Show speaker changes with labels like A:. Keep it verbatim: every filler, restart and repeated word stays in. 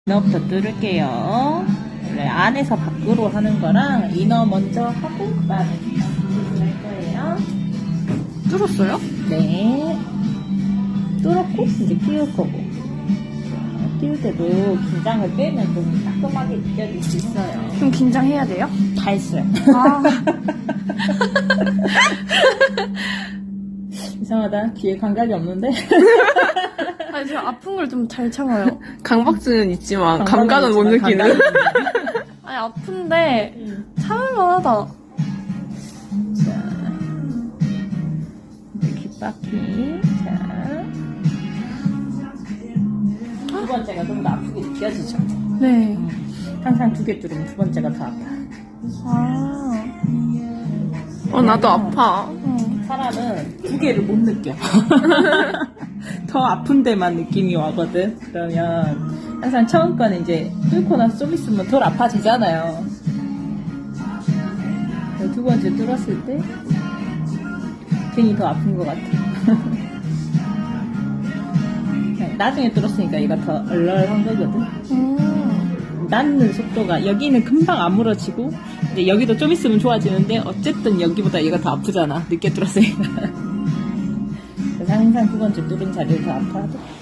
A: 이너부터 뚫을게요. 원래 안에서 밖으로 하는 거랑 이너 먼저 하고 그 다음에 밖으로 할 거예요.
B: 뚫었어요?
A: 네. 뚫었고 이제 끼울 거고. 끼울 때도 긴장을 빼면 좀 따끔하게 느껴질 수 있어요.
B: 좀 긴장해야 돼요?
A: 다 했어요.
B: 아.
A: 이상하다. 귀에 감각이 없는데?
B: 아니, 제가 아픈 걸 좀 잘 참아요.
C: 강박증은 있지만
A: 감각은
C: 감각은 못
A: 있지만
C: 느끼는.
A: 감각은
B: 아니, 아픈데
A: 음.
B: 참을만하다.
A: 자, 이제 귓바퀴. 자. 두 번째가 좀 더 아프게 느껴지죠?
B: 네.
A: 항상 두 개 뚫으면 두 번째가 더 아파요.
B: 아.
C: 어, 나도 아파.
B: 응.
A: 사람은 두 개를 못 느껴. 더 아픈 데만 느낌이 와거든. 그러면 항상 처음 거는 이제 뚫고 나서 좀 있으면 덜 아파지잖아요. 두 번째 뚫었을 때 괜히 더 아픈 것 같아. 나중에 뚫었으니까 얘가 더 얼얼한 거거든.
B: 음.
A: 낫는 속도가 여기는 금방 아물어지고 이제 여기도 좀 있으면 좋아지는데 어쨌든 여기보다 얘가 더 아프잖아. 늦게 뚫었으니까. 그래서 항상 두 번째 뚫은 자리를 더 아파하죠.